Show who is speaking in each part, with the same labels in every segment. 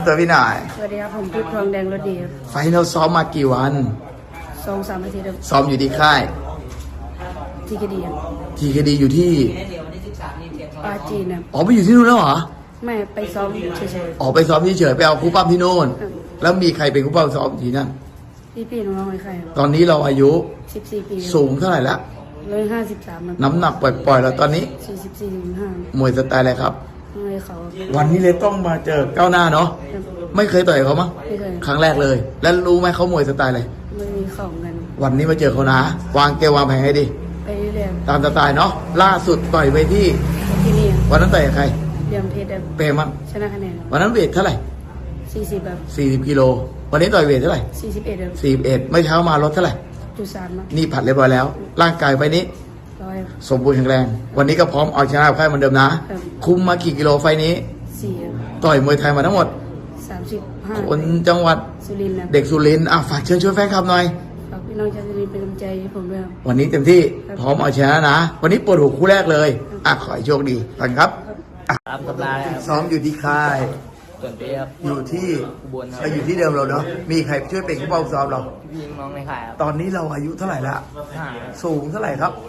Speaker 1: ตัวพี่หน่อย
Speaker 2: สวัสดีครับผมพุทธทองแดงรถดีครับ
Speaker 1: ไฟนอลซ้อมมากี่วัน
Speaker 2: 2-3 อาทิตย์ครับ
Speaker 1: ซ้อมอยู่ที่ค่าย
Speaker 2: ที่คดีครับ
Speaker 1: ทีคดีอยู่ที่
Speaker 2: ปาจีนครับ
Speaker 1: อ๋อไปอยู่ที่นู่นแล้วเหรอ
Speaker 2: ไม่ไปซ้อมเฉย
Speaker 1: อ๋อไปซ้อมเฉยๆไปเอาครูปั้มที่นู่นแล้วมีใครเป็นครูปั้มซ้อมที่นั่น
Speaker 2: ๆพี่น้องๆใครครับ
Speaker 1: ตอนนี้เราอายุ
Speaker 2: 14 ปี
Speaker 1: สูงเท่าไหร่ละ
Speaker 2: 153ครับ
Speaker 1: น้ำหนักปล่อยๆเราตอนนี้
Speaker 2: 44-45
Speaker 1: มวยสไตล์อะไรครับ
Speaker 2: มวยเขา
Speaker 1: วันนี้เลยต้องมาเจอก้าวหน้าเนาะไม่เคยต่อยเขามั้ง
Speaker 2: ไม่เคย
Speaker 1: ครั้งแรกเลย แล้วรู้ไหมเขามวยสไตล์อะไร
Speaker 2: ไม่มีเข่ากัน
Speaker 1: วันนี้มาเจอเขานะวางเกมวางแผนให้ดี
Speaker 2: ไปเรื่อย
Speaker 1: ตามสไตล์เนาะล่าสุดต่อยไปที่
Speaker 2: นี่
Speaker 1: วันนั้นต่อยกับใคร
Speaker 2: เรียมเพชร
Speaker 1: เปรมั้ง
Speaker 2: ชนะคะแนน
Speaker 1: วันนั้นเวทเท่าไหร่
Speaker 2: 40ครับ
Speaker 1: 40กิโลวันนี้ต่อยเวทเท่าไหร่
Speaker 2: 41ครับ
Speaker 1: 41ไม่เช้ามาลดเท่าไหร่
Speaker 2: 3ครับ
Speaker 1: นี่ผัดเรียบร้อยแล้วร่างกายไปนี้
Speaker 2: 100
Speaker 1: สมบูรณ์แข็งแรงวันนี้ก็พร้อมเอาชนะค่ายเหมือนเดิมนะคุมมากี่กิโลไฟนี้
Speaker 2: 4
Speaker 1: ต่อยมวยไทยมาทั้งหมด
Speaker 2: 35
Speaker 1: คนจังหวัด
Speaker 2: สุรินทร์
Speaker 1: เด็กสุรินทร์ฝากเชิญชวนแฟนคลับหน่อย
Speaker 2: ฝากพี่น้องชาวสุรินทร์เป็นกำลังใจให้ผมด้วยครับ
Speaker 1: วันนี้เต็มที่พร้อมเอาชนะนะวันนี้ปวดหัวคู่แรกเลยขอให้โชคดีกันครับ
Speaker 3: ตามตำราครับ
Speaker 1: ซ้อมอยู่ที่ค่าย
Speaker 3: ส่วนเปียบ
Speaker 1: อยู่ที่
Speaker 3: อุบลครับ
Speaker 1: อยู่ที่เดิมเราเนาะมีใครช่วยเป็นผู้เฝ้าซ้อมเรา
Speaker 3: พี่น้องในค่ายครับ
Speaker 1: ตอนนี้เราอายุเท่าไหร่ละ
Speaker 3: 5
Speaker 1: สูงเท่าไหร่ครับ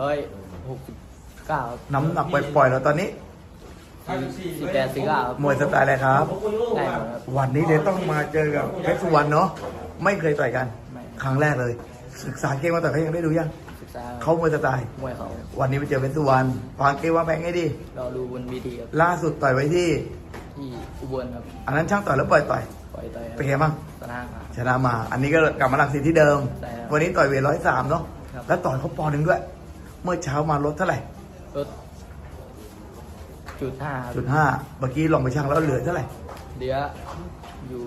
Speaker 3: 169
Speaker 1: น้ำหนักปล่อยๆเราตอนนี้
Speaker 3: 48-49
Speaker 1: มวยสไตล์อะไรครับ
Speaker 3: ได้หมดครับ
Speaker 1: วันนี้เลยต้องมาเจอกับเพชรสุวรรณเนาะไม่เคยต่อยกันครั้งแรกเลยศึกษาเกมมาต่อยเขายังได้ดูยัง
Speaker 3: ศึกษา
Speaker 1: เขามวยสไตล์
Speaker 3: มวยเขา
Speaker 1: วันนี้ไปเจอเพชรสุวรรณวางเกมวางแผนให้ดี
Speaker 3: เราดูบนวีทีครับ
Speaker 1: ล่าสุดต่อยไว้ที่
Speaker 3: อุบลครับ
Speaker 1: อันนั้นช่างต่อยแล้วปล่อยต่อยเป็นไงบ้างชนะมาอันนี้ก็กลับมาหลักสิทธิ์ที่เดิมวันนี้ต่อยเวท103เนาะแล้วต่อยเขาปอนด์หนึ่งด้วยเมื่อเช้ามาลดเท่าไหร่
Speaker 3: ลด
Speaker 1: จุดห้าเมื่อกี้ลองไปชั่งแล้วเหลือเท่าไหร่
Speaker 3: เดี๋ยวอยู่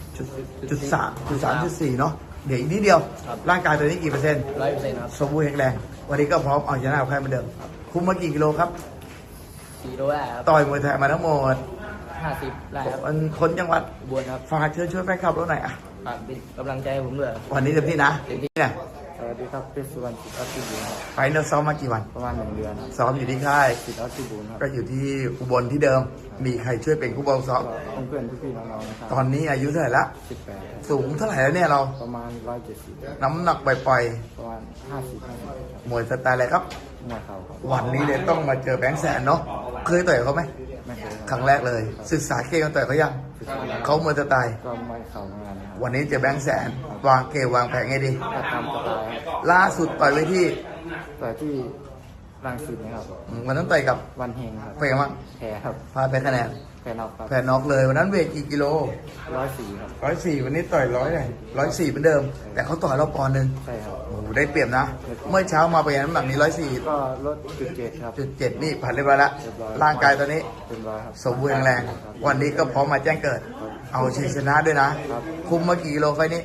Speaker 1: จุด3.4เนาะเดี๋ยวอีกนิดเดียวร่างกายตัวนี้กี่เปอร์เซ็นต์
Speaker 3: 100%ครับ
Speaker 1: สมบูรณ์แข็งแรงวันนี้ก็พร้อมเอาชนะใครเหมือนเดิมคุมมากี่กิโลครับ
Speaker 3: 4 โลได้ครับ
Speaker 1: ต่อยมวยไทยมาทั้งหมด
Speaker 3: 50ได้ครับ
Speaker 1: คนจังหวัด
Speaker 3: อุบลครับ
Speaker 1: ฝากเชิญช่วยแฟนคลับเราหน่อย
Speaker 3: ฝากเป็นกำลังใจให้ผมด้วย
Speaker 1: วันนี้เต็มที่นะ
Speaker 3: เต็มที่
Speaker 1: นะ
Speaker 3: สวัสดีครับเพชรสุวรรณศิษย์ออสติบูล
Speaker 1: ไฟนอลซ้อมมากี่วัน
Speaker 3: ประมาณ1 เดือนครับ
Speaker 1: ซ้อมอยู่ที่ค่าย
Speaker 3: ศิษย์ออสติบูลครับ
Speaker 1: ก็อยู่ที่อุบลที่เดิมมีใครช่วยเป็นผู้บังซ้อม
Speaker 3: เพื่อนพี่น้องๆนะครับ
Speaker 1: ตอนนี้อายุเท่าไหร่ละ
Speaker 3: 18
Speaker 1: สูงเท่าไหร่แล้วเนี่ยเรา
Speaker 3: ประมาณ170
Speaker 1: น้ำหนักปล่อย
Speaker 3: ประมาณ50
Speaker 1: มวยสไตล์อะไรครับ
Speaker 3: มวยเข่าครับ
Speaker 1: วันนี้เลยต้องมาเจอแบงค์แสนเนาะเคยต่อยเขาไหม
Speaker 3: ไม่เคย
Speaker 1: ครั้งแรกเลยศึกษาเกมกันต่อยเขายังเขามวยสไตล์
Speaker 3: ก็มวยเข่าเหมือนกันครับ
Speaker 1: วันนี้เจอแบงค์แสนวางเกมวางแผนไงดี
Speaker 3: ตามสไตล์
Speaker 1: ล่าสุดต่อยไว้ที่
Speaker 3: รังสิตนะครับ
Speaker 1: วันนั้นต่อยกับ
Speaker 3: วันเฮงครับ
Speaker 1: เป็นไงบ้าง
Speaker 3: แพ้ครับ
Speaker 1: พาไปคะแนน
Speaker 3: แพ้น็อกครับ
Speaker 1: แพ้น็อกเลยวันนั้นเวทกี่กิโล
Speaker 3: 104ครับ
Speaker 1: 104วันนี้ต่อย100เลย104เหมือนเดิมแต่เขาต่อยเราปอนด์นึง
Speaker 3: ใช่ครับ
Speaker 1: โอ้ได้เปรียบนะเมื่อเช้ามาไปน้ำหนักนี้104
Speaker 3: ก็ลด7ครับ
Speaker 1: 7นี่ผ่านเรียบร้อยแล้วร่างกายตอนนี้สมบูรณ์แข็งแรงวันนี้ก็พร้อมมาแจ้งเกิดเอาชัยชนะด้วยนะคุมมากี่กิโลไฟนี้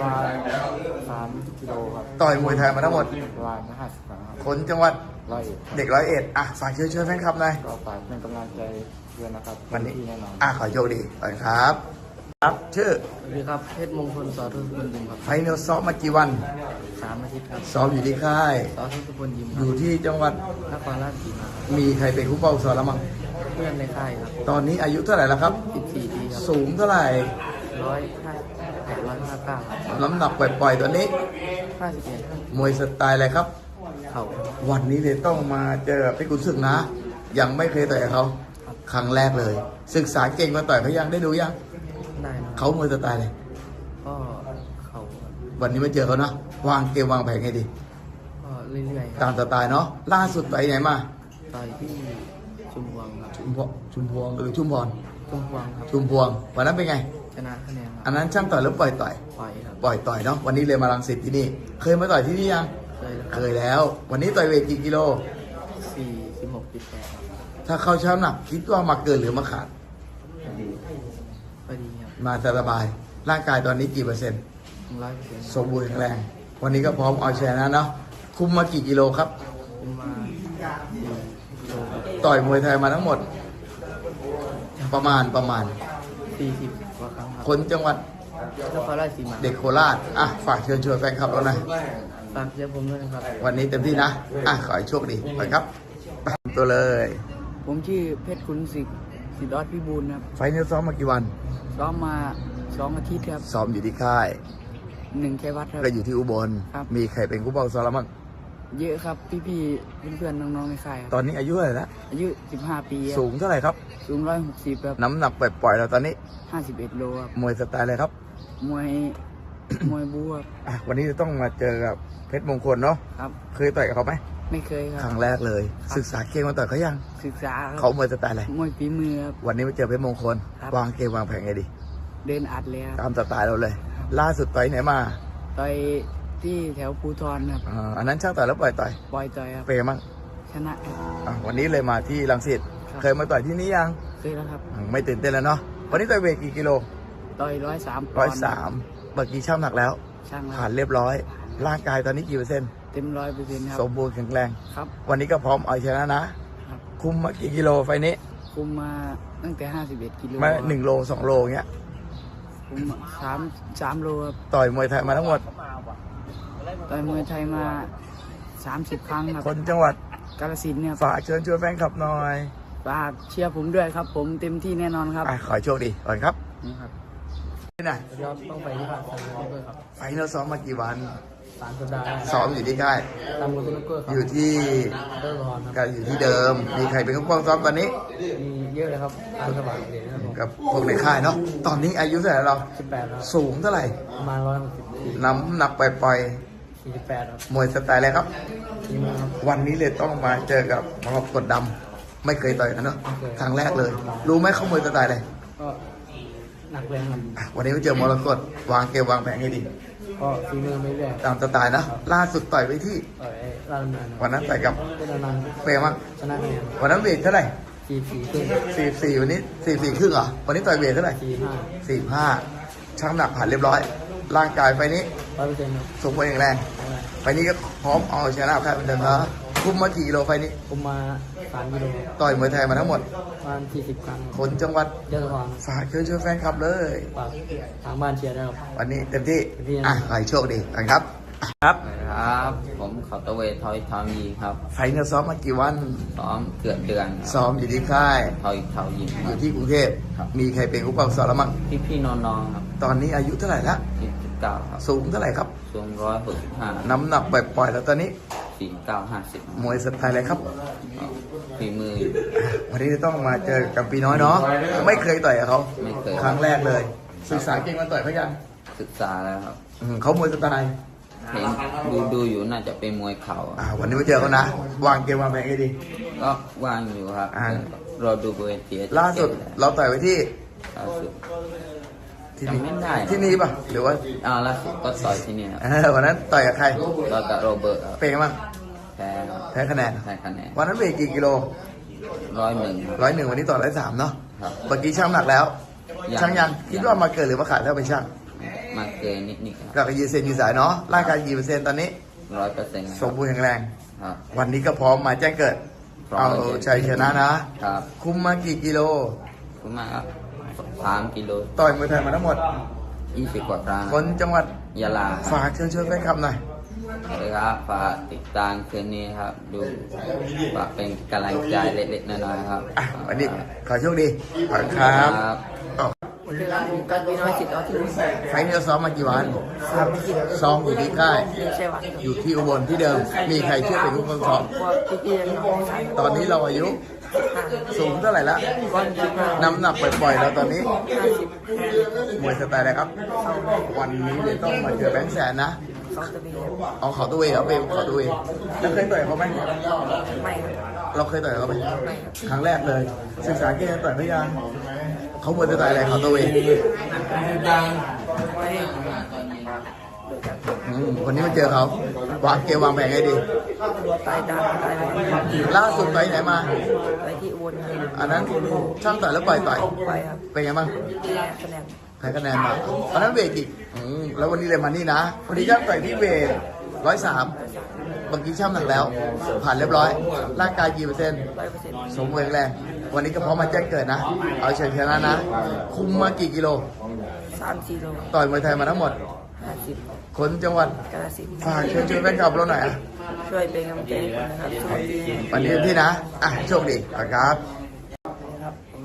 Speaker 3: 3 กิโลครับ
Speaker 1: ต่อยมวยไทยมาทั้งหมด
Speaker 3: ประมาณ50 ครั้ง
Speaker 1: คนจังหวัด
Speaker 3: 101
Speaker 1: เด็ก101ฝากเชิญแฟนคลับหน่อย
Speaker 3: ก็ฝากเป็นกำลังใจด้วยนะครับ
Speaker 1: วันนี้ขอโชคดีไปครับครับชื่อ
Speaker 3: สวัสดีครับเพชรมงคลสอทุพลยิมครับ
Speaker 1: ไฟนอลซ้อมมากี่วัน
Speaker 3: 3 อาทิตย์ครับ
Speaker 1: ซ้อมอยู่ที่ค่าย
Speaker 3: สอทุพลยิม
Speaker 1: อยู่ที่จังหวัด
Speaker 3: นครราชสีมา
Speaker 1: มีใครเป็นผู้เฝ้าซ้อมแล้วมั้ง
Speaker 3: เพื่อนในค่ายครับ
Speaker 1: ตอนนี้อายุเท่าไหร่แล้วครับ
Speaker 3: 14 ปีครับ
Speaker 1: สูงเท่าไหร่
Speaker 3: 159
Speaker 1: น้ำหนักปล่อยๆตอนนี้
Speaker 3: 51
Speaker 1: มวยสไตล์อะไรครับ
Speaker 3: เข่า
Speaker 1: วันนี้เลยต้องมาเจอพี่กุนศึกนะยังไม่เคยต่อยเขาครั้งแรกเลยศึกษาเก่งมาต่อยเขายังได้ดูยัง
Speaker 3: ได้
Speaker 1: เขามวยสไตล์เลย
Speaker 3: ก็เขา
Speaker 1: วันนี้มาเจอเขาเนาะวางเกมวางแผนให้ดี
Speaker 3: ก็เรื่อย
Speaker 1: ๆตามสไตล์เนาะล่าสุดไปไหนมา
Speaker 3: ต่อยที่ชุมพวงครับ
Speaker 1: ชุมพวงหรือชุมพร
Speaker 3: ครับ
Speaker 1: ชุมพวงวันนั้นเป็นไง
Speaker 3: ชนะคะแนน
Speaker 1: อันนั้นช่างต่อยหรือปล่อยต่อย
Speaker 3: ครับ
Speaker 1: ปล่อยต่อยเนาะวันนี้เลยมารังสิตที่นี่เคยมาต่อยที่นี่ยังเคยแล้ววันนี้ต่อยเวทกี่กิโล
Speaker 3: 46.8
Speaker 1: ถ้าเข้าช้ำหนักคิดว่ามาเกินหรือมาขาด
Speaker 3: พอดีครับ
Speaker 1: มาสบายร่างกายตอนนี้กี่เปอร์เซ็นต์
Speaker 3: 100%
Speaker 1: สมบูรณ์แข็งแรงวันนี้ก็พร้อมเอาชนะเนาะคุมมากี่กิโลครับ
Speaker 3: มา
Speaker 1: ต่อยมวยไทยมาทั้งหมดประมาณ
Speaker 3: 40 กว่าครั้งครับ
Speaker 1: คนจังหวัด
Speaker 3: นครราชสีมา
Speaker 1: เด็กโคราชฝากเชิญชวนแฟนคลับเราหน่อย
Speaker 3: ฝากเชียร์ผมด้วยนะครับ
Speaker 1: วันนี้เต็มที่นะขอให้โชคดีไปครับตัวเลย
Speaker 3: ผมชื่อเพชรขุนศึกสิทธิ์ออดพิบูลครับ
Speaker 1: ไฟล์นี้ซ้อมมากี่วัน
Speaker 3: ซ้อมมา2 อาทิตย์ครับ
Speaker 1: ซ้อมอยู่ที่ค่าย
Speaker 3: 1 ชัยวัฒน์ครับ
Speaker 1: ก็อยู่ที่อุบล
Speaker 3: ครับ
Speaker 1: มีใครเป็นผู้เป้าซ้อมแล้วมั้ง
Speaker 3: เยอะครับพี่ๆเพื่อนๆน้องๆในค่ายค
Speaker 1: ต
Speaker 3: รับ
Speaker 1: อนนี้อายุเท่าไหร่ละ
Speaker 3: อายุ15 ปีครับ
Speaker 1: สูงเท่าไหร่ครับ
Speaker 3: สูง160ครับ
Speaker 1: น้ำหนักปล่อยๆเราตอนนี้
Speaker 3: 51 โลครับ
Speaker 1: มวยสไตล์อะไรครับ
Speaker 3: มวย มวยบูครับ
Speaker 1: วันนี้จะต้องมาเจอกับเพชรมงคลเนาะ
Speaker 3: ครับ
Speaker 1: เคยต่อยกับเขาไหม
Speaker 3: ไม่เคยค
Speaker 1: ค
Speaker 3: รั
Speaker 1: รั้
Speaker 3: บ
Speaker 1: งแรกเลย
Speaker 3: ครับ
Speaker 1: ศึกษาเกมมาต่อยเขายัง
Speaker 3: ศึกษาค
Speaker 1: เขา
Speaker 3: รับ
Speaker 1: มวยสไตล์อะไร
Speaker 3: มวยฝีมือครับ
Speaker 1: วันนี้มาเจอเพชรมงคล
Speaker 3: ครับ
Speaker 1: วางเกมวางแผนไงดี
Speaker 3: เดินอัดเลยครับ
Speaker 1: ตามสไตล์เราเลย ล่าสุดต่อยไหนมา
Speaker 3: ต่อยที่แถวภูทรครับ
Speaker 1: อันนั้นช่างต่อยแล้วปล่อยต่อย
Speaker 3: ปล่อยต่อยครับ
Speaker 1: เปย์มั้ง
Speaker 3: ชนะครับ
Speaker 1: วันนี้เลยมาที่รังสิต
Speaker 3: ครับ
Speaker 1: เคยมาต่อยที่นี่ยัง
Speaker 3: เคยแล้วครับ
Speaker 1: ไม่ตื่นเต้นแล้วเนาะวันนี้ต่อยเวทกี่กิโล
Speaker 3: ต่อย103 ป
Speaker 1: ร้
Speaker 3: อ
Speaker 1: อน ย
Speaker 3: ด์
Speaker 1: สามเมื่อกี้ช่างหนักแล้ว
Speaker 3: ช่างแล้ว
Speaker 1: ผ่านเรียบร้อย ร่างกายตอนนี้กี่เปอร์เซ็นต์
Speaker 3: เต็ม100%ครั
Speaker 1: ส
Speaker 3: บ
Speaker 1: มบูรณ์แข็งแรง
Speaker 3: ครับ
Speaker 1: วันนี้ก็พร้อมเอาชนะนะ
Speaker 3: ครับ
Speaker 1: คุมมากี่กิโลไฟนี้
Speaker 3: คุมมาตั้งแต่51 กิโล
Speaker 1: มา1 โล 2 โลเงี้ย
Speaker 3: คุม3 โลครับ
Speaker 1: ต่อยมวยไทยมาทั้งหมด
Speaker 3: ต่อยมวยไทยมา30 ครั้งครับ
Speaker 1: คนจังหวัด
Speaker 3: กาฬสินธุ์เนี่ย
Speaker 1: ฝากเชิญชวนแฟนคลับหน่อย
Speaker 3: ฝากเชียร์ผมด้วยครับ ผมเต็มที่แน่นอนครับ
Speaker 1: ขอให้โชคดีก่อนครับ
Speaker 3: นี่ครับ
Speaker 1: นี่ไหน
Speaker 3: ยอดต้องไปที่บ้านสนามด้วยครับ
Speaker 1: ไฟเราซ้อมมากี่วัน
Speaker 3: 3 สัปดาห์
Speaker 1: ซ้อมอยู่ที่ค่าย
Speaker 3: ตามมือตุนเกอร์ครับ
Speaker 1: อยู่ที่
Speaker 3: เดอร์รอนครับ
Speaker 1: ก็อยู่ที่เดิม มีใครเป็นผู้ป้องซ้อมตอนนี้
Speaker 3: มีเยอะเลยครับตามสบายเลยนะครับผม
Speaker 1: กับพวกในค่ายเนาะ ตอนนี้อายุเท่าไหร่เรา
Speaker 3: 18ครับ
Speaker 1: สูงเท่าไหร่
Speaker 3: ประมาณ160
Speaker 1: น้ำหนักปล่อย
Speaker 3: 48ครับ
Speaker 1: ๆมวยสไตล์อะไรครับ
Speaker 3: ทีมครับ
Speaker 1: วันนี้เลยต้องมาเจอกับมรกตดำไม่เคยต่อยกันเนาะ
Speaker 3: ไม่เคย
Speaker 1: ครั้งแรกเลย รู้ไหมเขามวยสไตล์อะไร
Speaker 3: ก็หนักแรงครับ
Speaker 1: วันนี้มาเจอมรกตวางเกมวางแผนให้ดี
Speaker 3: ก็ฝีมือไม่เรื่อย
Speaker 1: ตามสไตล์นะ ล่าสุดต่อยไปที่
Speaker 3: ต่อยราชดำเนิน
Speaker 1: วันนั้นต่อยกับ
Speaker 3: เป็นอนันต์
Speaker 1: เฟรมั้ง
Speaker 3: ชนะคะแนน
Speaker 1: วันนั้นเวทเท่าไหร่
Speaker 3: 44ขึ้น
Speaker 1: 44วันนี้44ครึ่งเหรอ วันนี้ต่อยเวทเท่าไหร่
Speaker 3: 45
Speaker 1: 45ช่างหนักผ่านเรียบร้อย ร่างกายไฟนี้
Speaker 3: 100%ครับ
Speaker 1: สมบูรณ์แข็งแรง ไฟนี้ก็พร้อมเอาชนะใครเป็นเดิมนะคุมมากี่กิโลไฟนี้
Speaker 3: ผมมา3 กิโล
Speaker 1: ต่อยมวยไทยมาทั้งหมด
Speaker 3: ประมาณ40 ครั้ง
Speaker 1: คนจังหวัด
Speaker 3: เยอะกว่า
Speaker 1: ฝากเชิญชวนแฟนคลับเลย
Speaker 3: ฝากทางบ้านเชียร์ด้วยครับ
Speaker 1: วันนี้เต็มที่
Speaker 3: เต็มที่นะ
Speaker 1: ขอให้โชคดีกันครับ ครับ
Speaker 4: ครับ ผมเขาตะเวททอยทอมีครับ
Speaker 1: ไฟเนี่ยซ้อมมากี่วัน
Speaker 4: ซ้อมเกือบเดือนครับ
Speaker 1: ซ้อมอยู่ที่ค่าย
Speaker 4: ทอยเทายิมค
Speaker 1: อ
Speaker 4: รับ
Speaker 1: ยู่ที่กรุงเทพ
Speaker 4: ครับ
Speaker 1: มีใครเป็นผู้ปกครองแล้วมั้ง
Speaker 4: พี่น้องๆครับ
Speaker 1: ตอนนี้อายุเท่าไหร่ละ
Speaker 4: 19ครับ
Speaker 1: สูงเท่าไหร่ครับ
Speaker 4: สูง165
Speaker 1: น้ำหนักปล่อยๆแล้วตอนนี้
Speaker 4: 49
Speaker 1: มวยสไตล์อะไรครับ
Speaker 4: 50ฝีมือ
Speaker 1: วันนี้จะต้องมาเจอกับปีน้อยเนาะ ไม่เคยต่อยกับเขา
Speaker 4: ไม่เคย
Speaker 1: ครั้งแรกเลย ศึกษาเก่งมาต่อยเขายัง
Speaker 4: ศึกษาแล้วครับ
Speaker 1: เขามวยสไตล์
Speaker 4: เห็นดูอยู่น่าจะเป็นมวยเข่า
Speaker 1: วันนี้มาเจอเขานะ วางเกมวางแผนให้ดี
Speaker 4: ก็ว่างอยู่ครับ
Speaker 1: อ่า
Speaker 4: รอดูบริเวณเตีย
Speaker 1: ล่าสุดเราต่อยไว้ที่
Speaker 4: ล่าสุด
Speaker 1: ที่นี่
Speaker 4: จำไม่ได้
Speaker 1: ที่นี่ป่ะ หรือว่า
Speaker 4: ล่าสุดก็ต่อยที่นี่ครับ
Speaker 1: วันนั้นต่อยกับใคร
Speaker 4: ต่อยกับโรเบิร์ตครับ
Speaker 1: เป็นไงบ้าง
Speaker 4: แพ้ครับ
Speaker 1: แพ้คะแนน
Speaker 4: แพ้คะแนน
Speaker 1: วันนั้นเวทกี่กิโล
Speaker 4: 101ครับ
Speaker 1: 101 วันนี้ต่อ103เนาะ
Speaker 4: ครับ
Speaker 1: เมื่อกี้ช่างหนักแล้ว
Speaker 4: ยัง
Speaker 1: ช่างยังคิดว่ามาเกินหรือมาขาดแล้วเป็นช่าง
Speaker 4: มาเกินนิดๆครับ
Speaker 1: ก็ยืนเซนยืนสายเนาะ ร่างกายกี่เปอร์เซ็นต์ตอนนี้
Speaker 4: 100%
Speaker 1: สมบูรณ์แข็งแรง
Speaker 4: ครับ
Speaker 1: วันนี้ก็พร้อมมาแจ้งเกิด
Speaker 4: พร้อม
Speaker 1: เอาชัยชนะนะ
Speaker 4: ครับ
Speaker 1: คุมมากี่กิโล
Speaker 4: คุณมากครับ3 กิโล
Speaker 1: ต่อยมวยไทยมาทั้งหมด
Speaker 4: 20 กว่าครั้ง
Speaker 1: คนจังหวัด
Speaker 4: ยะลา
Speaker 1: ฝากเชิญชวนแฟนคลับหน่อย
Speaker 4: เลยครับฝากติดตามคืนนี้ครับ ดูฝากเป็นกำลังใจเล็กๆน้อยๆครับ
Speaker 1: วันนี้ขอโชคดีขอบคุณครับ
Speaker 4: ครับ
Speaker 1: อ้าว
Speaker 3: เวลาผมกันมีน้อยสิทธิ์ออที่
Speaker 1: ไฟล์นี้เราซ้อมมากี่วัน
Speaker 3: 3 กิโล
Speaker 1: ซ้อมอยู่ที่ค่าย
Speaker 3: ไม่ใช่วัด
Speaker 1: อยู่ที่อุบลที่เดิม มีใครช่วยเป็นผู้ปกครอง
Speaker 3: ว่าพี่ๆน้องๆใส่
Speaker 1: ตอนนี้เราอายุสูงเท่าไหร่ละ
Speaker 3: ก้อน15
Speaker 1: น้ำหนักปล่อยๆแล้วตอนนี้
Speaker 3: 50
Speaker 1: มวยสไตล์อะไรครับ วันนี้เลยต้องมาเจอแบงค์แสนนะ
Speaker 3: 2 ตะบี
Speaker 1: เอาเขาตัวเองครับเป็นเขาตัวเองแล้วเคยต่อยเขาไหม
Speaker 3: ไม่ครับ
Speaker 1: เราเคยต่อยเขาไหม
Speaker 3: ไม่ครับ
Speaker 1: ครั้งแรกเลย ศึกษาเกมต่อยพยางเขามวยสไตล์อะไรเขาตัวเอง
Speaker 3: ไม่
Speaker 1: วันนี้มาเจอเขาวางเกมวางแผนให้ดี
Speaker 3: ตายดาวตายไป
Speaker 1: ล่าสุดต่อยไหนมา
Speaker 3: ไปที่อุบลครับ
Speaker 1: อันนั้นช่างต่อยแล้วปล่อยต่อย
Speaker 3: ไปครับ
Speaker 1: เป็นไงบ้าง
Speaker 3: คะแนน
Speaker 1: ใครคะแนนมาอันนั้นเวทอีกแล้ววันนี้เลยมานี่นะวันนี้ช่างต่อยที่เวท103เมื่อกี้ช่างหนักแล้ว ผ่านเรียบร้อย ร่างกายกี่เปอร์เซ็นต์
Speaker 3: 100%
Speaker 1: สมบูรณ์แข็งแรง วันนี้ก็พร้อมมาแจ้งเกิดนะ เอาเชิญชนะนะ คุมมากี่กิโล
Speaker 3: 3-4 โล
Speaker 1: ต่อยมวยไทยมาทั้งหมด
Speaker 3: 50
Speaker 1: คนจังหวัด
Speaker 3: กาฬสินธุ์
Speaker 1: ฝากเชิญชวนแฟนคลับเราหน่อยอ่ะ
Speaker 3: ช่วยเป็นกำลังใจให้ผมนะครับทุกที
Speaker 1: วันนี้ที่นะ โชคดีครับ
Speaker 3: ครับผมเพชร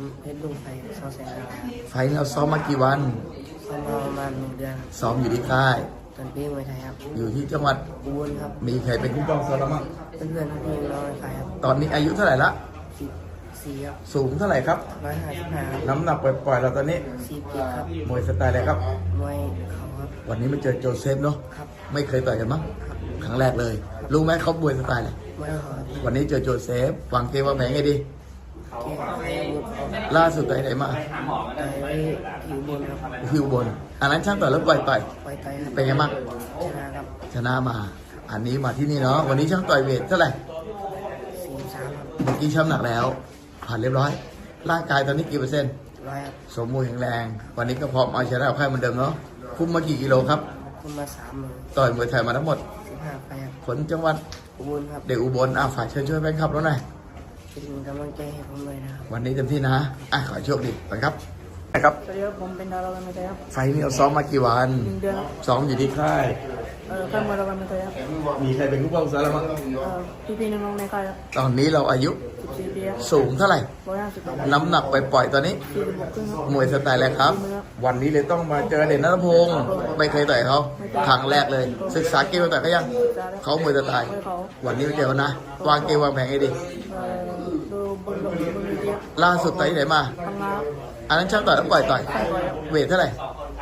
Speaker 3: ลุงไปซ้อมแสงดาว
Speaker 1: ไฟล์เราซ้อมมากี่วัน
Speaker 3: ซ้อมมาประมาณ1 เดือนครับ
Speaker 1: ซ้อมอยู่ที่ค่าย
Speaker 3: ตอนปีมวยไทยครับ
Speaker 1: อยู่ที่จังหวัด
Speaker 3: อุบลครับ
Speaker 1: มีใครเป็นผู้ป้องซ้อมเราบ้าง
Speaker 3: เพื่อนๆพี่น้องในค่ายครับ
Speaker 1: ตอนนี้อายุเท่าไหร่ละ
Speaker 3: 4ครับ
Speaker 1: สูงเท่าไหร่ครับ
Speaker 3: 155ครับ
Speaker 1: น้ำหนักปล่อยๆเราตอนนี้
Speaker 3: 47ครับ
Speaker 1: มวยสไตล์อะไรครับ
Speaker 3: มวยเข่าครับ
Speaker 1: วันนี้มาเจอโจเซฟเนาะ
Speaker 3: ครับ
Speaker 1: ไม่เคยต่อยกันมั้งครั้งแรกเลย รู้ไหมเขามวยสไตล์อะไร
Speaker 3: มวยเข่าครับ
Speaker 1: วันนี้เจอโจเซฟวางเกมวางแผนไงดี
Speaker 3: เกี่ยวกับอาวุธครับ
Speaker 1: ล่าสุดต่อยไหนมา
Speaker 3: ต่อยไว้อยู่บนครับ
Speaker 1: พิวบน อันนั้นช่างต่อยแล้วปล่อย
Speaker 3: ไว้ต่อยครับ
Speaker 1: เป็นไงบ้าง
Speaker 3: ชนะครับ
Speaker 1: ชนะมา อันนี้มาที่นี่เนาะ วันนี้ช่างต่อยเวทเท่าไหร่
Speaker 3: 43ครับ
Speaker 1: เมื่อกี้ช่ำหนักแล้ว ผ่านเรียบร้อย ร่างกายตอนนี้กี่เปอร์เซ็นต์
Speaker 3: 100ครับ
Speaker 1: สมบูรณ์แข็งแรง วันนี้ก็พร้อมเอาชนะกับใครเหมือนเดิมเนาะ คุมมากี่กิโลครับ
Speaker 3: คุณมา3 มือ
Speaker 1: ต่อยมวยไทยมาทั้งหมด
Speaker 3: 15 ไปครับ
Speaker 1: คนจังหวัด
Speaker 3: อุบลครับ
Speaker 1: เด็กอุบลฝากเชิญช่วยแฟนคลับแล้วหน่อย
Speaker 3: เป็นกำลังใจให้ผมเลยนะครับ
Speaker 1: วันนี้เต็มที่นะขอให้โชคดีก่อนครับนะครับ
Speaker 2: สวัสดีครับผมเป็นดาวรางวัลไทยครับ
Speaker 1: ไฟล์นี้เราซ้อมมากี่วัน
Speaker 2: 1 เดือนครับ
Speaker 1: ซ้อมอยู่ที่ค่าย
Speaker 2: ข้ามมารางวัลไทยครับ
Speaker 1: มีใครเป็นผู้ป้องซ้อมแล้วมั้ง
Speaker 2: พี่ๆน้องๆในค่ายครับ
Speaker 1: ตอนนี้เราอายุ
Speaker 2: 14 ปีครับ
Speaker 1: สูงเท่าไหร่
Speaker 2: 150ครับ
Speaker 1: น้ำหนักปล่อยๆตอนนี้
Speaker 2: 46 ครึ่งครับ
Speaker 1: มวยสไตล์อะไรครับ วันนี้เลยต้องมาเจอเด่นนัทพงศ์ไม่เคยต่อยเขาครั้งแรกเลย ศึกษาเกมมาต่อยเขายังเขามวยสไตล์
Speaker 2: มวยเขา
Speaker 1: วันนี้ไปเจอเขานะ วางเกมวางแผนให้ดี
Speaker 2: ดูบนเวทีครับ
Speaker 1: ล่าสุดต่อยที่ไหนมา
Speaker 2: ทำงาน
Speaker 1: อันนั้นช่างต่อยแล้วปล่อยต่อย
Speaker 2: ใส่ก่อยครับ
Speaker 1: เวทเท่าไหร่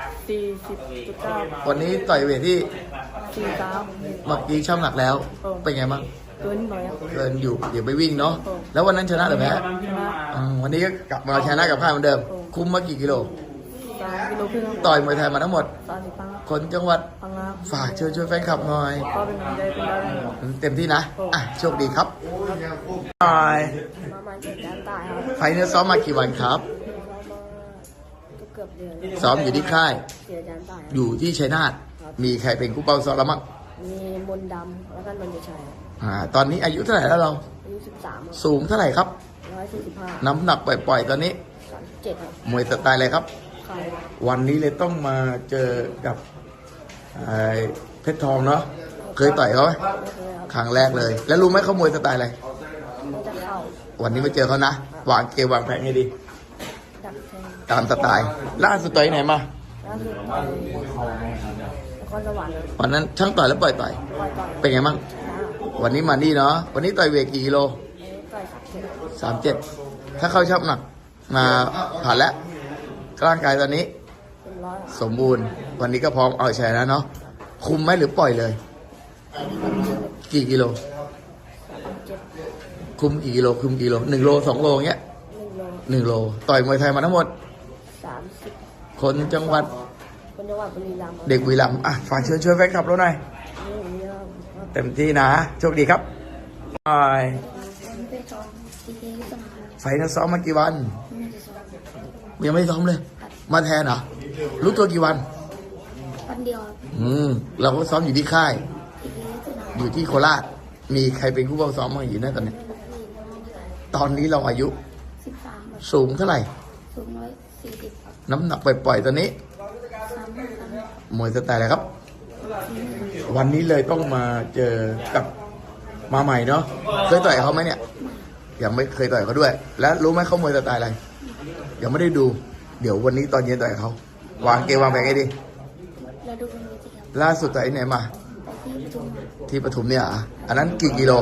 Speaker 2: 40.9
Speaker 1: วันนี้ต่อยเวทที่
Speaker 2: 43
Speaker 1: เมื่อกี้ช่างหนักแล้ว เป็นไงบ้าง
Speaker 2: เกินนิดหน่อยครับ
Speaker 1: เกินอยู่เดี๋ยวไปวิ่งเนาะแล้ววันนั้นชนะหรือแพ้
Speaker 2: ชนะ
Speaker 1: วันนี้ก็กลับมาชนะกับค่ายเหมือนเดิม คุมมากี่กิโล
Speaker 2: 3 กิโลครึ่งครับ
Speaker 1: ต่อยมวยไทยมาทั้งหมด
Speaker 2: 30 ครั้งครับ
Speaker 1: คนจังหวัด
Speaker 2: พังงา
Speaker 1: ฝากเชิญช่วยแฟนคลับหน่อย
Speaker 2: ก็เป็นกำลังใจเป็นดาวได้ครับ
Speaker 1: เต็มที่นะโชคดีครับบาย
Speaker 2: ประมาณ7 ล้านตายครับ
Speaker 1: ไฟล์นี้ซ้อมมากี่วันครับ
Speaker 2: เกือบเดือน
Speaker 1: ซ้อมอยู่ที่ค่าย
Speaker 2: 4 ล้านตายครับ
Speaker 1: อยู่ที่ชัยนาทมีใครเป็นคู่เป้าซ้อมแล้วมั้ง
Speaker 2: มีมนต์ดำแล้วก็นนทชัยครับ
Speaker 1: ตอนนี้อายุเท่าไหร่แล้วเรา
Speaker 2: อายุ13ครับ
Speaker 1: สูงเท่าไหร่ครับ
Speaker 2: 145
Speaker 1: น้ำหนักปล่อยๆตอนนี้
Speaker 2: 37ครับ
Speaker 1: มวยสไตล์อะไรครับ
Speaker 2: ใคร
Speaker 1: วันนี้เลยต้องมาเจอกับเพชรทองเนาะ เคยต่อยเขาไหม
Speaker 2: ไม่เคยครับ
Speaker 1: ครั้งแรกเลย แล้วรู้ไหมเขามวยสไตล์อะไร
Speaker 2: น่าจะเข้า
Speaker 1: วันนี้มาเจอเขานะ วางเกมวางแผนให้ดี
Speaker 2: ดักแทง
Speaker 1: ตามสไตล์ ล่าสุดต่อยที่ไหนมา
Speaker 2: ล่าสุดไปนครสวรรค์ครับ
Speaker 1: วันนั้นช่างต่อยแล้วปล่อยต่อย
Speaker 2: ปล่อยต่อย
Speaker 1: เป็นไงบ้าง
Speaker 2: ชนะ
Speaker 1: วันนี้มานี่เนาะ วันนี้ต่อยเวทกี่กิโล
Speaker 2: ต่อย37
Speaker 1: 37 ถ้าเข้าชอบหนัก มาผ่านแล้ว ร่างกายตอนนี้
Speaker 2: เป็นร้อยครับ
Speaker 1: สมบูรณ์ วันนี้ก็พร้อมเอาชัยแล้วเนาะ คุมไหมหรือปล่อยเลย กี่กิโล
Speaker 2: 37
Speaker 1: คุมกี่กิโล คุมกี่โล1 โล 2 โลเงี้ย
Speaker 2: 1 โล
Speaker 1: 1 โล ต่อยมวยไทยมาทั้งหมด
Speaker 2: 30
Speaker 1: คนจังหวัด
Speaker 2: คนจังหวัดบุรีรัมย์
Speaker 1: เด็กบุรีรัมย์ฝากเชิญช่วยแฟนคลับเราหน่อย
Speaker 2: นี่ครับ
Speaker 1: เต็มที่นะ โชคดีครับบาย
Speaker 2: เป็นจอมทีเคที่สมัคร
Speaker 1: ไฟนั้นซ้อมมากี่วัน
Speaker 2: ไม่ได้ซ้อม
Speaker 1: ยังไม่ซ้อมเลย มาแทนเหรอ รู้ตัวกี่วัน
Speaker 2: วันเดียวครับ
Speaker 1: เราก็ซ้อมอยู่ที่ค่าย
Speaker 2: ทีเคที่สนาม
Speaker 1: อยู่ที่โคราช มีใครเป็นผู้บังซ้อมบ้างอยู่นั่นตอนนี้ ตอนนี้เราอายุ
Speaker 2: 13ครับ
Speaker 1: สูงเท่าไหร่
Speaker 2: สูง140ครับ
Speaker 1: น้ำหนักปล่อยๆตอนนี้
Speaker 2: 35ครับ
Speaker 1: มวยสไตล์อะไรครับ วันนี้เลยต้องมาเจอกับมาใหม่เนาะ เคยต่อยเขาไหมเนี่ย ยังไม่เคยต่อยเขาด้วย แล้วรู้ไหมเขามวยสไตล์อะไร ยังไม่ได้ดู เดี๋ยววันนี้ตอนเย็นต่อยเขา วางเกมวางแผนให้ดี
Speaker 2: แล้วดูเป็นวิธีครับ
Speaker 1: ล่าสุดต่อยที่ไหนมา
Speaker 2: ไปที่ประชุม
Speaker 1: ที่ปทุมเนี่ยอันนั้นกี่กิโล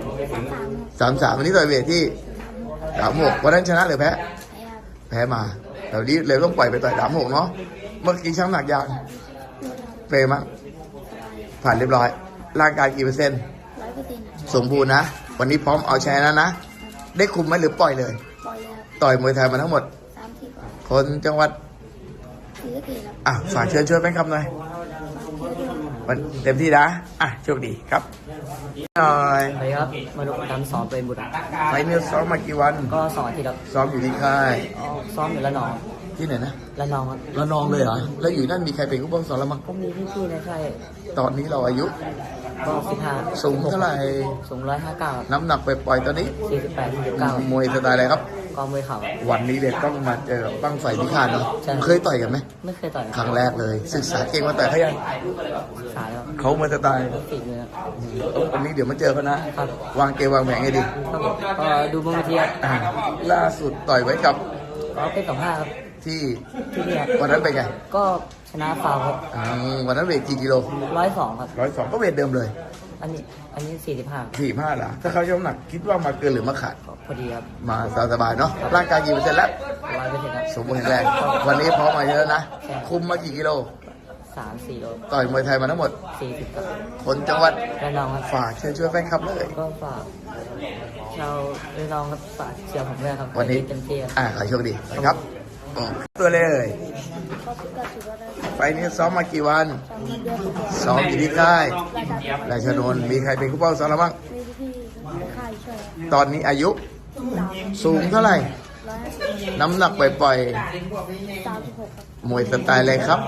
Speaker 1: 33วันนี้ต่อยเวทที่36วันนั้นชนะหรือแพ้ แพ้มาเดี๋ยวนี้เลยต้องปล่อยไปต่อย36เนาะ เมื่อกี้ช่างหนักยางเฟรมั้งผ่านเรียบร้อย ร่างกายกี่เปอร์เซ็นต์
Speaker 2: 100%
Speaker 1: สมบูรณ์นะ วันนี้พร้อมเอาชนะนะ ได้คุมไหมหรือปล่อยเลย
Speaker 2: ปล่อยเลยครับ
Speaker 1: ต่อยมวยไทยมาทั้งหมด
Speaker 2: 30กว่า
Speaker 1: คนจังหวัด
Speaker 2: ศรีสะเกษครับ
Speaker 1: ฝากเชิญช่วยแฟนคลับหน่อยวันเต็มที่นะโชคดีครับหน่อย
Speaker 3: สวัสดีครับ มาดูการซ้อมเป็นบุตร
Speaker 1: ไฟนี้ซ้อมมากี่วัน
Speaker 3: ก็2 อาทิตย์ครับ
Speaker 1: ซ้อมอยู่ที่ค่าย
Speaker 3: ซ้อมอยู่ละนอง
Speaker 1: ที่ไหนนะ
Speaker 3: ละนองครับ
Speaker 1: ระนองเลยเหรอ แล้วอยู่นั่นมีใครเป็นผู้บังสอนแล้วมั้ง
Speaker 3: ก็มีพี่ๆในค่าย
Speaker 1: ตอนนี้เราอายุ
Speaker 3: ก็15
Speaker 1: สูงเท่าไหร่
Speaker 3: สูง159ครับ
Speaker 1: น้ำหนักไปปล่อยๆตอนนี้
Speaker 3: 48 49
Speaker 1: มวยสไตล์อะไรครับ
Speaker 3: ก็มวยเข่าครับ
Speaker 1: วันนี้เลยต้องมาเจอกับบั้งไฟพิฆาตเนาะ
Speaker 3: ใช่
Speaker 1: เคยต่อยกันไหม
Speaker 3: ไม่เคยต่อย
Speaker 1: ครั้งแรกเลย ศึกษาเก่งมาต่อยเขายัง
Speaker 3: ศึกษาแล้ว
Speaker 1: เขามาสไตล์
Speaker 3: ติดเลยครับ
Speaker 1: วันนี้เดี๋ยวมาเจอกันนะ
Speaker 3: ครับ
Speaker 1: วางเกมวางแผนให้ดี
Speaker 3: ครับผมก็ดูบนเวทีครับ
Speaker 1: ล่าสุดต่อยไว้กับ
Speaker 2: ก็เป็นกับห้าครับ
Speaker 1: ที่
Speaker 2: ที่นี่ครับ
Speaker 1: วันนั้นเป็นไง
Speaker 2: ก็ชนะฟาวครับ
Speaker 1: วันนั้นเวทกี่กิโล
Speaker 2: 102ครับ
Speaker 1: 102ก็เวทเดิมเลย
Speaker 2: อันนี้45
Speaker 1: 45หรอถ้าเขาช่ำหนักคิดว่ามาเกินหรือมาขาด
Speaker 2: ก็พอดีครับ
Speaker 1: มาสบายๆเนาะร่างกายกี่เปอร์เซ็นต์แล้ว
Speaker 2: 100%ครับ
Speaker 1: สมบูรณ์แข็งแรงวันนี้พร้อมมาเยอะนะ คุมมากี่กิโล
Speaker 2: 3-4 โล
Speaker 1: ต่อยมวยไทยมาทั้งหมด
Speaker 2: 40ครับ
Speaker 1: คนจังหวัด
Speaker 2: ระนองครับ
Speaker 1: ฝากเชิญชวนแฟนคลับเลย
Speaker 2: ก็ฝากชาวระนองครับฝากเชียร์ผมด้วยครับ
Speaker 1: วันนี้
Speaker 2: เต็มที่ครับ
Speaker 1: ขอโชคดีนะครับตัวเลยไฟล์นี้ซ้อมมากี่วันซ้อมอยู่ที่ค่ายราชนนท์มีใครเป็นผู้เป้าซ้อมแล้วบ้าง
Speaker 5: มีพี่ค่ายช่วย
Speaker 1: ตอนนี้อายุสูงเท่าไหร่
Speaker 5: 150
Speaker 1: น้ำหนักปล่อย
Speaker 5: 36ครับ
Speaker 1: ๆมวยสไตล์อะไรครับ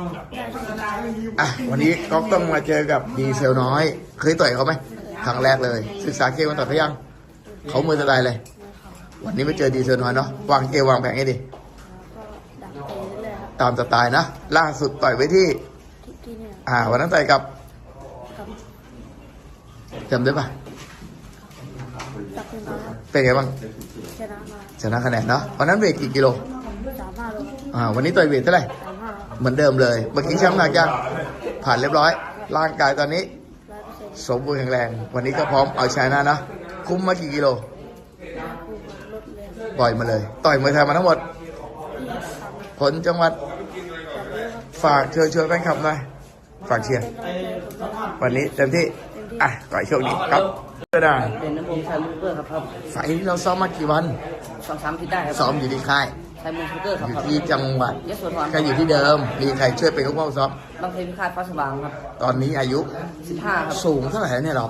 Speaker 1: วันนี้ก็ต้องมาเจอกับดีเซลน้อย เคยต่อยเขาไหมครั้งแรกเลย ศึกษาเกมมาต่อยเขายังเขามวยสไตล์เลย วันนี้มาเจอดีเซลน้อยเนาะวางเกมวางแผนให้ดี
Speaker 5: ก็ดักเตะเรื่อยๆครับ
Speaker 1: ตามสไตล์นะ ล่าสุดต่อยไว้ที่
Speaker 5: ที่เนี่ย
Speaker 1: วันนั้นต่อยกับ
Speaker 5: ครับ
Speaker 1: จำได้ปะ
Speaker 5: จับเป็นมาครับ
Speaker 1: เป็นไงบ้าง
Speaker 5: ชนะมา
Speaker 1: ชนะคะแนนเนาะวันนั้นเวทกี่กิโล
Speaker 5: 35 โล
Speaker 1: วันนี้ต่อยเวทเท่าไหร่
Speaker 5: 35
Speaker 1: เหมือนเดิมเลย เมื่อกี้ช้ำหนักยังผ่านเรียบร้อย ร่างกายตอนนี้
Speaker 5: 100%
Speaker 1: สมบูรณ์แข็งแรง วันนี้ก็พร้อมเอาชนะนะ คุ้มมากี่กิโล
Speaker 5: คู่ลดเลย
Speaker 1: ปล่อยมาเลย ต่อยมวยไทยมาทั้งหมด
Speaker 5: ที่ทำ
Speaker 1: ผลจังหวัด
Speaker 5: แบบนี้ครับ
Speaker 1: ฝากเชิญชวนแฟนคลับหน่อย ฝากเชียร์
Speaker 5: เป็นกำลังใจให้ผมด้วยครับ
Speaker 1: วันนี้เต็มที่ ขอให้โชคดีครับก็ได้
Speaker 2: เป็นน้ำมันชายมุกเกอร์ครับ
Speaker 1: ไฟล์นี้เราซ้อมมากี่วัน
Speaker 2: 2-3 ที่ได้ครับ
Speaker 1: ซ้อมอยู่ที่ค่าย
Speaker 2: ชายมุกเกอร์ครั
Speaker 1: อบ ยู่ที่จังหวัด
Speaker 2: ยโสธร
Speaker 1: ก็อยู่ที่เดิม มีใครช่วยเป็นผู้เฝ้าซ้อม
Speaker 2: บางเพลพิฆาตฟ้าสว่างครับ
Speaker 1: ตอนนี้อายุ
Speaker 2: 15ครับ
Speaker 1: สูงเท่าไหร่แล้วเนี่ยเรา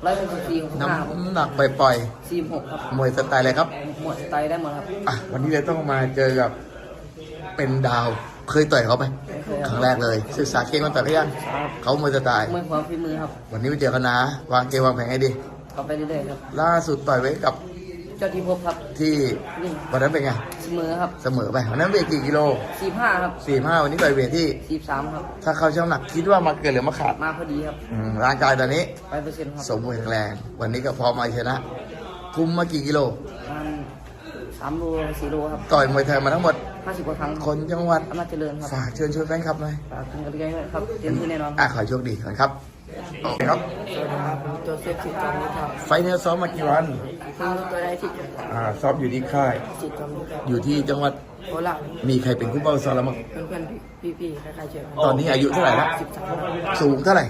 Speaker 2: 164 65
Speaker 1: น้ำหนักปล่อย
Speaker 2: 46ครับ
Speaker 1: ๆมวยสไตล์อะไรครับ
Speaker 2: หมดสไตล์ได้หมดครับ
Speaker 1: วันนี้เลยต้องมาเจอกับเป็นดาว เคยต่อยเขาไหม
Speaker 2: ไม่เคย
Speaker 1: ค
Speaker 2: ค
Speaker 1: รั้
Speaker 2: รับ
Speaker 1: งแรกเลย ศึกษาเกมมาต่อยเขายังเขามวยสไตล์
Speaker 2: มวยความฝีมือครับ
Speaker 1: วันนี้ไปเจอกันนะ วางเกมวางแผนให้ดี
Speaker 2: ก็ไปเรื่อยๆครับ
Speaker 1: ล่าสุดต่อยไว้กับ
Speaker 2: เจ้าที่พบครับ
Speaker 1: ที่
Speaker 2: นี่
Speaker 1: วันนั้นเป็นไง
Speaker 2: เสมอครับ
Speaker 1: เสมอไปวันนั้นเวทกี่กิโล
Speaker 2: 45ครับ
Speaker 1: 45วันนี้ต่อยเวทที่
Speaker 2: 43ครับ
Speaker 1: ถ้าเขาช่างหนักคิดว่ามาเกินหรือมาขาด
Speaker 2: มาพอดีครับ
Speaker 1: ร่างกายตอนนี้
Speaker 2: 100%ครับ
Speaker 1: สมบูรณ์แข็งแรง วันนี้ก็พร้อมมาชนะ คุมมากี่กิโล
Speaker 2: มัน3 โล 4 โลครับ
Speaker 1: ต่อยมวยไทยมาทั้งหมด
Speaker 2: 50 กว่าครั้ง
Speaker 1: คนจังหวัด
Speaker 2: อำนาจเจริญครับ
Speaker 1: ฝากเชิญชวนแฟนคลับหน่อย
Speaker 2: ฝากเป็นกำลังใจให้ครับเต็มที่แน่นอน
Speaker 1: ขอให้โชคดีก่อนครับโอเคครับ
Speaker 2: สวัสดีครับผมโจเซฟสิทธิ์จอมนิครับ
Speaker 1: ไฟล์นี้ซ้อมมากี่วัน
Speaker 2: เพิ่งรู้ตัวได้ที่
Speaker 1: ซ้อมอยู่ที่ค่าย
Speaker 2: สิทธิ์จอมนิครับ
Speaker 1: อยู่ที่จังหวัด
Speaker 2: โคราช
Speaker 1: มีใครเป็นคู่เป้าซ้อมแล้วมั้ง
Speaker 2: เพื่อนๆพี่ๆคล้ายๆเชิญ
Speaker 1: ตอนนี้อายุเท่าไหร่แล้ว
Speaker 2: 13
Speaker 1: สูงเท่าไหร่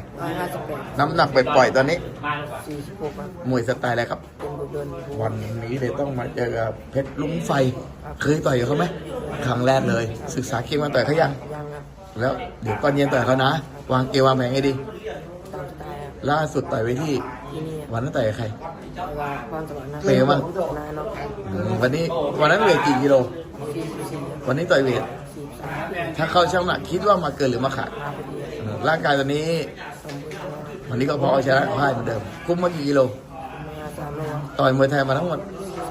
Speaker 2: 158
Speaker 1: น้ำหนักไปปล่อยๆตอนนี้
Speaker 2: 46ครับ
Speaker 1: มวยสไตล์อะไรครับ
Speaker 2: เป็นบุตรเดิน
Speaker 1: วันนี้เลยต้องมาเจอกับเพชรลุงไฟ เคยต่อยกับเขาไหมครั้งแรกเลย ศึกษาเกมมาต่อยเขายัง
Speaker 2: ยังครับ
Speaker 1: แล้วเดี๋ยวตอนเย็นต่อยเขานะ วางเกมวางแผนให้ดี
Speaker 2: ตามสไตล์ครับ
Speaker 1: ล่าสุดต่อยไว้ที่
Speaker 2: ที่นี่
Speaker 1: วันนั้นต่อยกับใคร
Speaker 2: เวลาความสวรรค์นะ
Speaker 1: เป็นไงบ้าง
Speaker 2: นายน้อง
Speaker 1: วันนี้วันนั้นเวทกี่กิโล
Speaker 2: 44
Speaker 1: วันนี้ต่อยเวท
Speaker 2: 43
Speaker 1: ถ้าเข้าช่างหนักคิดว่ามาเกินหรือมาขาด
Speaker 2: มาพอดี
Speaker 1: ร่างกายตอนนี้
Speaker 2: สมบูรณ์
Speaker 1: วันนี้ก็พอเอาชนะพ่ายเหมือนเดิม คุ้มมากี่กิโล
Speaker 2: มา3 โล
Speaker 1: ต่อยมวยไทยมาทั้งหมด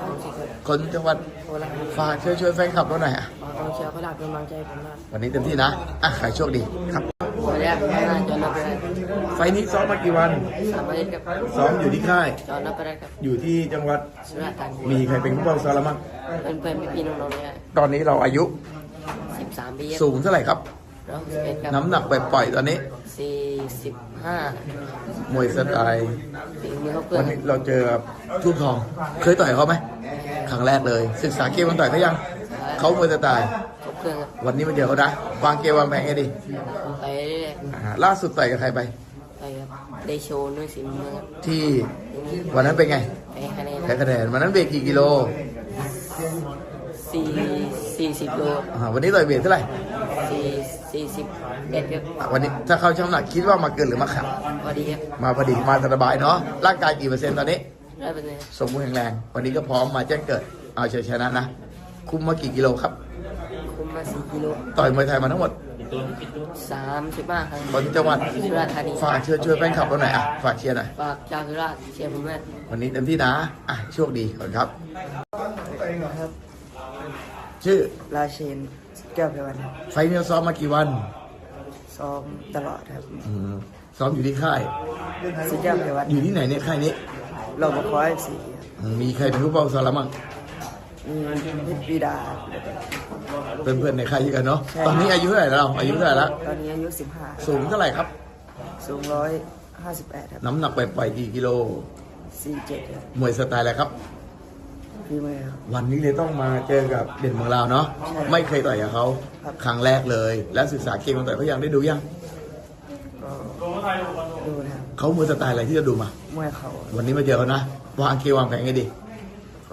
Speaker 2: 30
Speaker 1: คนจังหวัด
Speaker 2: โคราช
Speaker 1: ฝากช่วยแฟนคลับเราหน่อย
Speaker 2: กองเชียร์โคราชเป็นกำลังใจผมมาก
Speaker 1: วันนี้เต็มที่นะขายโชคดีครับ
Speaker 2: สวัสดีครับนายจอห์นนับไปได้
Speaker 1: ไฟล์นี้ซ้อมมากี่วัน
Speaker 2: 3 อาทิตย์ครับ
Speaker 1: ซ้อมอยู่ที่ค่าย
Speaker 2: จอห์นนับไปได้ครับ
Speaker 1: อยู่ที่จังหวัด
Speaker 2: สุราษฎร์ธานี
Speaker 1: มีใครเป็นผู้เฝ้าซ้อมแล้วมั้ง
Speaker 2: เพื่อนๆพี่ๆน้องๆเนี่ย
Speaker 1: ตอนนี้เราอายุ
Speaker 2: 13 ปี
Speaker 1: สูงเท่าไหร่ครับ
Speaker 2: 161ครับ
Speaker 1: น้ำหนักปล่อยๆตอนนี้
Speaker 2: 45
Speaker 1: มวยสไตล์
Speaker 2: ปีนี้เขาเกิ
Speaker 1: วัน
Speaker 2: น
Speaker 1: นี้เราเจอทุ่งทอง เคยต่อยเขาไหมครั้งแรกเลย ศึกษาเกมมันต่อยเขายัง เขามวยสไตล์
Speaker 2: เขาเครื่องครับ
Speaker 1: วันนี้มาเจอเขานะ วางเกมวางแผนให้ดี
Speaker 2: ไปเรื่อย
Speaker 1: ล่าสุดต่อยกับใครไป
Speaker 2: ๆไปครับได้โชว์ด้วยสีมือครับ
Speaker 1: ที่วันนั้นเป็นไง
Speaker 2: แพ้คะแนน
Speaker 1: แพ้คะแนนวันนั้นเวทกี่กิโล
Speaker 2: 40 โล
Speaker 1: วันนี้ต่อยเวทเท่าไหร่
Speaker 2: 41ครับ
Speaker 1: วันนี้ถ้าเข้าช่างน้ำหนักคิดว่ามาเกินหรือมาขาด
Speaker 2: พอดีครับ
Speaker 1: มาพอดีมาสบายเนาะ ร่างกายกี่เปอร์เซ็นต์ตอนนี้
Speaker 2: 100%
Speaker 1: สมบูรณ์แข็งแรง วันนี้ก็พร้อมมาแจ้งเกิด เอาชัยชนะนะ คุมมากี่กิโลครับ
Speaker 2: คุมมา4 กิโล
Speaker 1: ต่อยมวยไทยมาทั้งหมด
Speaker 2: 35 ครั้ง
Speaker 1: คนจังหวัด
Speaker 2: สุราษฎร์ธานี
Speaker 1: ฝากเชิญช่วยแฟนคลับเราหน่อยฝากเชียร์หน่อย
Speaker 2: ฝากชาวสุราษฎร์เชียร์ผมด้วย
Speaker 1: วันนี้เต็มที่นะโชคดีก่อนครับ
Speaker 2: ครับ
Speaker 1: ชื่อ
Speaker 2: ราเชนแก้วเพวันครับ
Speaker 1: ไฟเนียซ้อมมากี่วัน
Speaker 2: ซ้อมตลอดครับ
Speaker 1: ซ้อมอยู่ที่ค่าย
Speaker 2: สุดแก้วเพวัน
Speaker 1: อยู่ที่ไหนเนี่ยค่ายนี้
Speaker 2: เรามาคอยสี
Speaker 1: มีใครเป็นผู้เฝ้าซ้อมแล้วมั้ง
Speaker 2: ม
Speaker 3: มีเพชรวีดา
Speaker 1: เพื่อนๆในค่ายกันเนาะ
Speaker 3: ใช่
Speaker 1: ตอนนี้อายุเท่าไหร่แล้วอายุเท่าไหร่แล้ว
Speaker 3: ตอนนี้อายุ
Speaker 1: สูงเท่าไหร่ครับ
Speaker 3: 15 สูง158ครับ
Speaker 1: น้ำหนักไปปล่อยกี่กิโล
Speaker 3: 47ครับ
Speaker 1: มวยสไตล์อะไรครับ
Speaker 3: พี่มือครับ
Speaker 1: วันนี้เลยต้องมาเจอกับเด่นเมืองลาวเนาะ
Speaker 3: ใช่
Speaker 1: ไม่เคยต่อยกับเขา
Speaker 3: ครับ
Speaker 1: ครั้งแรกเลย แล้วศึกษาเกมมาต่อยเขายังได้ดูยัง
Speaker 3: ก็ดูนะครับ
Speaker 1: เขามวยสไตล์อะไรที่จะดูมา
Speaker 3: มวยเขา
Speaker 1: วันนี้มาเจอเขานะวางเกมวางแผนไงดี
Speaker 3: ก็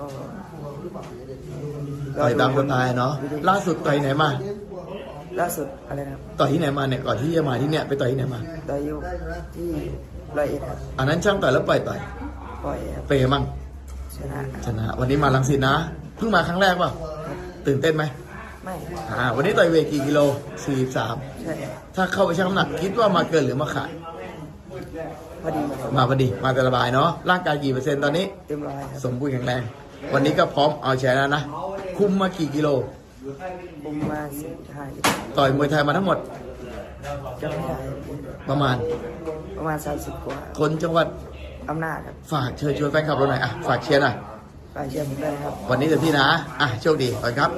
Speaker 1: ต่อยตามสไตล์เนาะ ล่าสุดต่อยไหนมา
Speaker 3: ล่าสุดอะไรนะครับ
Speaker 1: ต่อยที่ไหนมาเนี่ยก่อนที่จะมาที่เนี่ยไปต่อยที่ไหนมา
Speaker 3: ต่อยอยู่ที่101ครับ
Speaker 1: อันนั้นช่างต่อยแล้วปล่อยต่อย
Speaker 3: ปล่อยครับ
Speaker 1: เปย์มั่ง
Speaker 3: ชนะ
Speaker 1: ชนะวันนี้มาลังสิตนะเพิ่งมาครั้งแรกป่ะตื่นเต้นไหม
Speaker 3: ไม่
Speaker 1: วันนี้ต่อยเวทกี่กิโล43
Speaker 3: ใช่
Speaker 1: ถ้าเข้าไปชั่งน้ำหนักคิดว่ามาเกินหรือมาขาด
Speaker 3: พอดี
Speaker 1: มาพอดีมาสบายเนาะร่างกายกี่เปอร์เซ็นต์ตอนนี้
Speaker 3: เต็มร้อยครับ
Speaker 1: สมบูรณ์แข็งแรง วันนี้ก็พร้อมเอาชนะนะ คุมมากี่กิโล
Speaker 3: บุมมา45กิโล
Speaker 1: ต่อยมวยไทยมาทั้งหมด
Speaker 3: จะไม่ได้
Speaker 1: ประมาณ
Speaker 3: ประมาณ30กว่า
Speaker 1: คนจังหวัด
Speaker 3: อำนาจครับ
Speaker 1: ฝากเชิญชวนแฟนคลับเราหน่อยอ่ะฝากเชียร์หน่อย
Speaker 3: ไปเชียร์ผมด้วยครับ
Speaker 1: วันนี้เต็มที่นะโชคดีก่อนครับ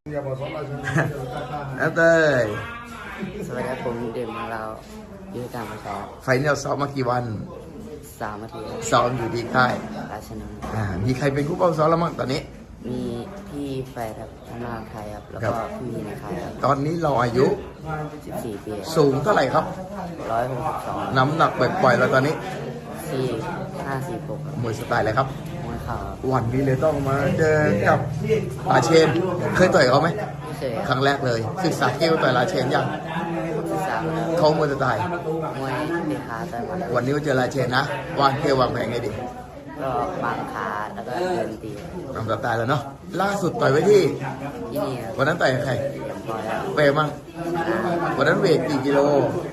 Speaker 1: แล้วเต้ย
Speaker 3: สวัสดีครับผมเด่นมาเรายุทธการมาครับ
Speaker 1: ไฟนอลซ้อมมากี่วัน
Speaker 3: 3 นาทีครับ
Speaker 1: ซ้อมอยู่ที่ค่าย
Speaker 3: ราชนนท์
Speaker 1: มีใครเป็นคู่เป้าซ้อมแล้วมั้งตอนนี้
Speaker 3: มีพี่แฟร์ครับทำงานไทยครับ แล้ว
Speaker 1: ครั
Speaker 3: ก็
Speaker 1: บ
Speaker 3: พี่ในไทยครับ
Speaker 1: ตอนนี้เราอายุ
Speaker 3: 14 ปี
Speaker 1: สูงเท่าไหร่ครับ
Speaker 3: 162
Speaker 1: น้ำหนักปล่อยๆแล้วตอนนี้
Speaker 3: 546ครับ
Speaker 1: มวยสไตล์อะไรครับ
Speaker 3: มวยเข่าครับ
Speaker 1: วันนี้เลยต้องมาเจอกับราเชน เคยต่อยเขาไหม
Speaker 3: ไม่เคย
Speaker 1: ครั้งแรกเลย ศึกษาเกมต่อยราเชนยัง
Speaker 3: ศึกษามาแล้ว
Speaker 1: เขามวยสไตล์
Speaker 3: มวยเตะขาต่อยหมัด
Speaker 1: วันนี้มาเจอราเชนนะ วางเกมวางแผนไงดี
Speaker 3: ก็วางขาแล้วก็เดินตี
Speaker 1: ตามสไตล์แล้วเนาะ ล่าสุดต่อยไว้ที่
Speaker 3: ที่นี่ครับ
Speaker 1: วันนั้นต่อยกับใคร
Speaker 3: เรียบร้อยแล้ว
Speaker 1: เปย์มั่งวันนั้นเวทกี่กิโล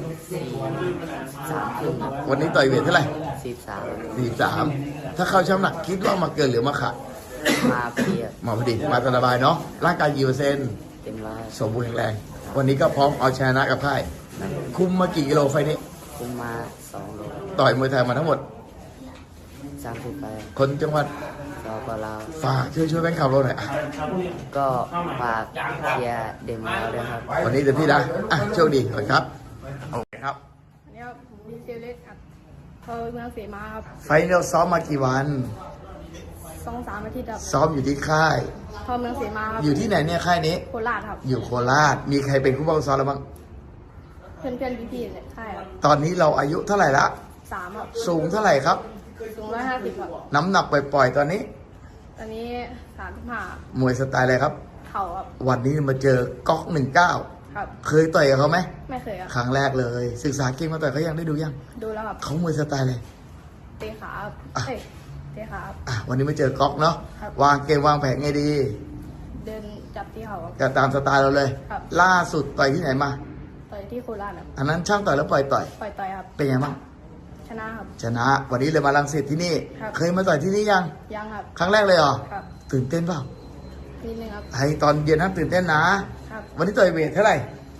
Speaker 3: 3 ครึ่งครับ
Speaker 1: วันนี้ต่อยเวทเท่าไหร่
Speaker 3: 43
Speaker 1: 43ถ้าเข้าช่ำหนักคิดว่ามาเกินหรือมาขาด
Speaker 3: มาเพียบ
Speaker 1: มาพอดีมาสบายเนาะ ร่างกายกี่เปอร์เซ็นต์
Speaker 3: เต็มร้อย
Speaker 1: สมบูรณ์แข็งแรง วันนี้ก็พร้อมเอาชนะกับค่าย คุมมากี่กิโลไฟล์นี้
Speaker 3: คุมมา2 โล
Speaker 1: ต่อยมวยไทยมาทั้งหมด
Speaker 3: 30 ไป
Speaker 1: คนจังหวัด
Speaker 3: สปลาว
Speaker 1: ฝากช่วยแบงค์ข่าวเราหน่อยอ่ะ
Speaker 3: ก็ฝากเชียร์เดมแล้วด้วยครับ
Speaker 1: วันนี้เต็มที่นะโชคดีก่อนครับโอเคครับ
Speaker 5: อันนี้ครับผมดีเซลเล็กครับเขาเมืองเสมาครับ
Speaker 1: ไฟล์นี้เราซ้อมมากี่วัน
Speaker 5: 2-3 อาทิตย์ครับ
Speaker 1: ซ้อมอยู่ที่ค่าย
Speaker 5: เขาเมืองเสมาครับ
Speaker 1: อยู่ที่ไหนเนี่ยค่ายนี้
Speaker 5: โคราชครับ
Speaker 1: อยู่โคราช มีใครเป็นผู้บังคับซ้อมแล้วบ้าง
Speaker 5: เพื่อนๆพี่ๆเนี่ยใช่ครับ
Speaker 1: ตอนนี้เราอายุเท่าไหร่ละ
Speaker 5: 3ครับ
Speaker 1: สูงเท่าไหร่ครับ
Speaker 5: สูง150ครับ
Speaker 1: น้ำหนักปล่อยๆตอนนี้
Speaker 5: ตอนนี้35
Speaker 1: มวยสไตล์อะไรครับ
Speaker 5: เข่าครับ
Speaker 1: วันนี้มาเจอก๊อก19
Speaker 5: ครับ
Speaker 1: เคยต่อยกับเขาไหม
Speaker 5: ไม่เคยครับ
Speaker 1: ครั้งแรกเลย ศึกษาเกมมาต่อยเขายังได้ดูยัง
Speaker 5: ดูแล้วครับ
Speaker 1: เขามวยสไตล์เลย
Speaker 5: เตะขาครับเอ้ยเตะขาครับ
Speaker 1: วันนี้มาเจอก๊อกเนาะ
Speaker 5: ครับ
Speaker 1: วางเกมวางแผนไงดี
Speaker 5: เดินจับที่เข่าครับ
Speaker 1: ก็ตามสไตล์เราเลย
Speaker 5: ครับ
Speaker 1: ล่าสุดต่อยที่ไหนมา
Speaker 5: ต่อยที่โคราชครับ
Speaker 1: อันนั้นช่างต่อยแล้วปล่อยต่อย
Speaker 5: ปล่อยต่อยครับ
Speaker 1: เป็นไงบ้าง
Speaker 5: ชนะครับ
Speaker 1: ชนะ วันนี้เลยมาลังสิตที่นี่
Speaker 5: ครับ
Speaker 1: เคยมาต่อยที่นี่ยัง
Speaker 5: ยังครับ
Speaker 1: ครั้งแรกเลยเหรอ
Speaker 5: ครับ
Speaker 1: ตื่นเต้นเปล่า
Speaker 5: นิดนึงครับ
Speaker 1: ไอ้ตอนเย็นนั้นตื่นเต้นนะ
Speaker 5: ครับ
Speaker 1: วันนี้ต่อยเวทเท่าไหร่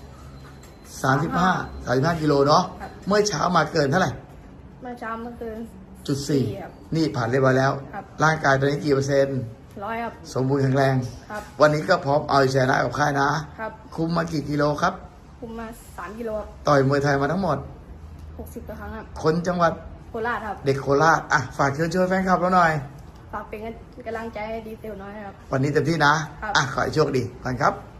Speaker 1: 35กิโลเนาะ
Speaker 5: ครับ
Speaker 1: เมื่อเช้ามาเกินเท่าไหร่
Speaker 5: เมื่อเช้าเมื่อคืน
Speaker 1: จุด
Speaker 5: ครับ
Speaker 1: 4นี่ผ่านเรียบร้อยแล้ว
Speaker 5: ครับ
Speaker 1: ร่างกายตอนนี้กี่เปอร์เซ็นต์
Speaker 5: 100ครับ
Speaker 1: สมบูรณ์แข็งแรง
Speaker 5: ครับ
Speaker 1: วันนี้ก็พร้อมเอาชนะกับค่ายนะ
Speaker 5: ครับ
Speaker 1: คุมมากี่กิโลครับ
Speaker 5: คุมมา3 กิโลครับ
Speaker 1: ต่อยมวยไทยมาทั้งหมด
Speaker 5: 60กว่าครั้งครับ
Speaker 1: คนจังหวัด
Speaker 5: โคราชครับ
Speaker 1: เด็กโคราชฝากเชิญชวนแฟนคลับเราหน่อย
Speaker 5: ฝากเป็นกำลังใจให้ดีเซลน้อยนะครับ
Speaker 1: วันนี้เต็มที่นะ ขอให้โชคดีก่อนครับ